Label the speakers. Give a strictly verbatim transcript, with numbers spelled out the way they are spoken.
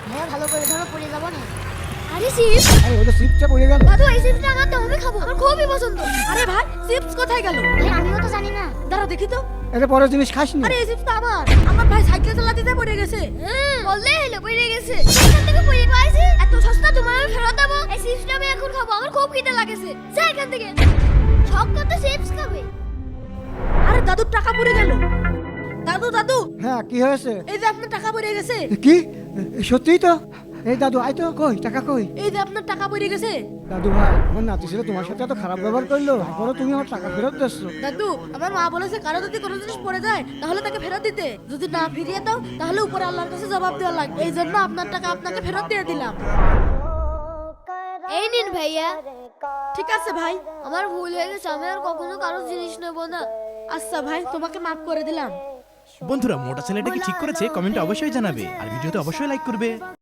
Speaker 1: ভাইয়া ভালো করে ধরো, পড়ে যাবো না। আরে চিপস,
Speaker 2: আরে ওটা চিপসটা পড়ে গেল।
Speaker 1: দাদু এই চিপসটা আমার তো আমি খাবো, আমার খুবই পছন্দ।
Speaker 3: আরে ভাই চিপস কোথায় গেল?
Speaker 1: ভাই আমিও তো জানি না।
Speaker 3: দাঁড়া দেখি তো।
Speaker 2: এটা পরের জিনিস খাস নি।
Speaker 3: আরে এই চিপস তো আমার আমার ভাই সাইকেল চালাতে যেয়ে পড়ে গেছে।
Speaker 1: হুম, বললে হলো পড়ে গেছে। এখান থেকে পড়ে পাইছে, এত সস্তা তোমার আমি ফেরত দেবো? এই চিপসটা আমি এখন খাবো, আমার খুব খিদে লাগেছে। যা এখান থেকে, শখ কত চিপস খাবে।
Speaker 3: আরে দাদুর টাকা পড়ে গেল। দাদু দাদু
Speaker 2: হ্যাঁ কি হয়েছে?
Speaker 3: এই যে আপনার টাকা পড়ে গেছে।
Speaker 2: কি সত্যিই তো? এই দাদু আয় তো, কই টাকা কই?
Speaker 3: এই যে আপনার টাকা পড়ে গেছে।
Speaker 2: দাদু ভাই, আমার নাতি ছেলে তোমার সাথে এত খারাপ ব্যবহার করলো, তারপরে তুমি আমার টাকা ফেরত দিচ্ছ।
Speaker 3: দাদু আমার মা বলেছে কারো যদি কোনো জিনিস পড়ে যায় তাহলে তাকে ফেরত দিতে, যদি না ফিরিয়ে দাও তাহলে উপরে আল্লাহর কাছে জবাব দেওয়া লাগবে। এই জন্য আপনার টাকা আপনাকে ফেরত দিয়ে দিলাম।
Speaker 1: এই নিন ভাইয়া।
Speaker 3: ঠিক আছে ভাই।
Speaker 1: আমার ভুল হয়ে গেছে, আমি আর কখনো কারো জিনিস নেব না।
Speaker 3: আচ্ছা ভাই, তোমাকে মাফ করে দিলাম।
Speaker 4: বন্ধুরা মোটা ছেলেটা কি ঠিক করেছে কমেন্টে অবশ্যই জানাবে আর ভিডিওতে অবশ্যই লাইক করবে।